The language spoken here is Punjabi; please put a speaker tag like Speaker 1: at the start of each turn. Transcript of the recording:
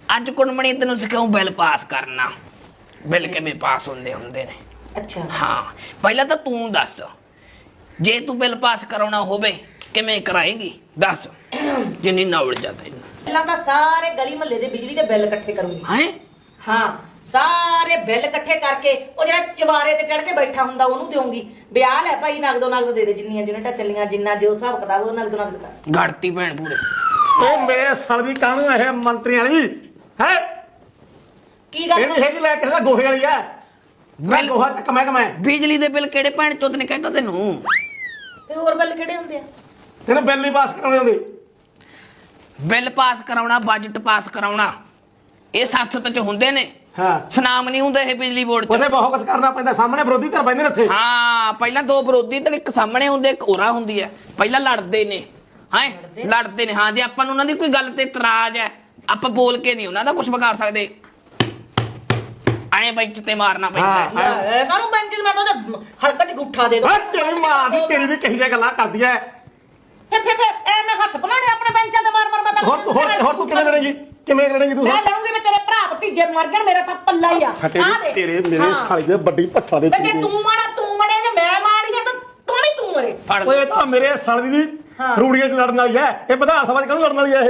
Speaker 1: ਅੱਜ ਕੁੜਮਣੀ ਤੈਨੂੰ ਸਿਖਾਉ ਬਿੱਲ ਪਾਸ ਕਰਨਾ। ਬਿੱਲ ਕਿਵੇਂ ਪਾਸ ਹੁੰਦੇ ਨੇ।
Speaker 2: ਅੱਛਾ
Speaker 1: ਹਾਂ ਪਹਿਲਾਂ ਤਾਂ ਤੂੰ ਦੱਸ, ਜੇ ਤੂੰ ਬਿੱਲ ਪਾਸ ਕਰਾਉਣਾ ਹੋਵੇ ਕਿਵੇਂ ਕਰਾਏਂਗੀ ਦੱਸ, ਜਿੰਨੀ ਨੌਲੇਜ ਆ ਤੈਨੂੰ।
Speaker 2: ਪਹਿਲਾਂ ਤਾਂ ਸਾਰੇ ਗਲੀ ਮਹੱਲੇ ਦੇ ਬਿਜਲੀ ਦੇ ਬਿੱਲ ਇਕੱਠੇ ਕਰੂੰਗੀ।
Speaker 1: ਹੈਂ
Speaker 2: ਹਾਂ ਸਾਰੇ ਬਿੱਲ ਇਕੱਠੇ ਕਰਕੇ ਉਹ ਜਿਹੜਾ ਚਵਾਰੇ ਤੇ ਚੜ ਕੇ ਬੈਠਾ ਹੁੰਦਾ ਉਹਨੂੰ ਦੇਵਾਂਗੀ। ਵਿਆਹ ਲੈ ਭਾਈ ਨਗਦੋ ਨਗਦ ਦੇ ਜਿੰਨੀਆਂ ਯੂਨਿਟਾਂ ਚੱਲੀਆਂ, ਜਿੰਨਾ ਜੋ ਹਿਸਾਬ ਕਿਤਾਬ ਉਹ ਨਗਦੋ ਨਗਦ ਕਰ।
Speaker 1: ਗੜਤੀ ਭੈਣ ਪੂਰੇ
Speaker 3: ਉਹ ਮੇਰੇ ਸੜ ਦੀ ਕਾਹਨੂੰ ਇਹ ਮੰਤਰੀਆਂ ਵਾਲੀ ਹੈ?
Speaker 2: ਕੀ ਗੱਲ
Speaker 3: ਇਹਦੀ ਹੈਗੀ ਲੈ ਕਿਸੇ ਦਾ ਗੋਹੇ ਵਾਲੀ ਹੈ। ਮੈਂ ਗੋਹਾ ਚੱਕ ਮੈਂ
Speaker 1: ਬਿਜਲੀ ਦੇ ਬਿੱਲ ਕਿਹੜੇ ਭੈਣ ਚੋਦ ਨੇ ਕਹਿੰਦਾ ਤੈਨੂੰ?
Speaker 2: ਤੇ ਹੋਰ ਬਿੱਲ ਕਿਹੜੇ ਹੁੰਦੇ ਆ?
Speaker 3: ਤੈਨੂੰ ਬਿੱਲ ਨਹੀਂ ਪਾਸ ਕਰਾਉਣੇ ਹੁੰਦੇ।
Speaker 1: ਬਿੱਲ ਪਾਸ ਕਰਾਉਣਾ, ਬਜਟ ਪਾਸ ਕਰਾਉਣਾ, ਇਹ ਸੰਸਦ ਚ ਹੁੰਦੇ ਨੇ।
Speaker 3: ਹਾਂ
Speaker 1: ਸੁਨਾਮ ਨਹੀਂ ਹੁੰਦੇ ਇਹ ਬਿਜਲੀ ਬੋਰਡ ਚ।
Speaker 3: ਉਹਦੇ ਬਹੁਤ ਕੁਝ ਕਰਨਾ ਪੈਂਦਾ। ਸਾਹਮਣੇ ਵਿਰੋਧੀ ਧਿਰ ਬੈਠੇ ਨੇ ਇੱਥੇ।
Speaker 1: ਹਾਂ ਪਹਿਲਾਂ ਦੋ ਵਿਰੋਧੀ ਧਿਰ, ਇੱਕ ਸਾਹਮਣੇ ਹੁੰਦੇ ਇੱਕ ਉਰਾ ਹੁੰਦੀ ਹੈ। ਪਹਿਲਾਂ ਲੜਦੇ ਨੇ ਲੜਦੇ ਨੇ। ਹਾਂ ਜੇ ਆਪਾਂ ਨੂੰ ਉਹਨਾਂ ਦੀ ਕੋਈ ਗੱਲ ਤੇ ਇਤਰਾਜ਼ ਹੈ, ਆਪਾਂ ਬੋਲ ਕੇ ਨਹੀਂ ਉਹਨਾਂ ਦਾ ਕੁਝ ਵਿਗਾੜ ਸਕਦੇ। ਐਂ ਬੈਂਚ ਤੇ ਮਾਰਨਾ ਪੈਂਦਾ।
Speaker 2: ਇਹ ਕਾਹਨੂੰ ਬੈਂਚ ਮੈਂ ਤਾਂ ਉਹਦੇ ਹਲਕਾ ਚ ਗੁੱਠਾ ਦੇ ਦੋ।
Speaker 3: ਤੇਰੀ ਮਾਂ ਦੀ ਤੇਰੀ ਵੀ ਕਹੀ ਜਿਹੀਆਂ ਗੱਲਾਂ ਕਰਦੀ ਐ।
Speaker 2: ਫਿਰ ਐਵੇਂ ਹੱਥ ਬਣਾਣੇ ਆਪਣੇ ਬੈਂਚਾਂ ਤੇ ਮਾਰ ਮੈਂ ਤਾਂ
Speaker 3: ਹੋਰ ਤੂੰ ਕਿਵੇਂ ਲੜੇਂਗੀ? ਕਿਵੇਂ ਲੜੇਂਗੀ ਤੂੰ?
Speaker 2: ਮੈਂ ਲੜੂੰਗੀ। ਮੈਂ ਤੇਰੇ ਭਰਾ ਭਤੀਜੇ ਮਰ ਜਾਣ, ਮੇਰਾ ਤਾਂ ਪੱਲਾ ਹੀ ਆ।
Speaker 3: ਤੇਰੇ ਮੇਰੇ ਸਾਲੇ ਦੇ ਵੱਡੀ ਭੱਠਾ ਦੇ।
Speaker 2: ਜੇ ਤੂੰ ਮੜੇ ਜੇ ਮੈਂ ਮਾੜੀ ਆ ਤਾਂ ਤੂੰ ਨਹੀਂ ਤੂੰ ਮਰੇ।
Speaker 3: ਓਏ ਤਾਂ ਮੇਰੇ ਸਾਲੇ ਦੀ ਰੂੜੀਆਂ ਚ ਲੜਨ ਵਾਲੀ ਐ। ਇਹ ਵਿਧਾਨ ਸਭਾ ਚ ਕਾਹਨੂੰ ਲੜਨ ਵਾਲੀ ਐ ਇਹ?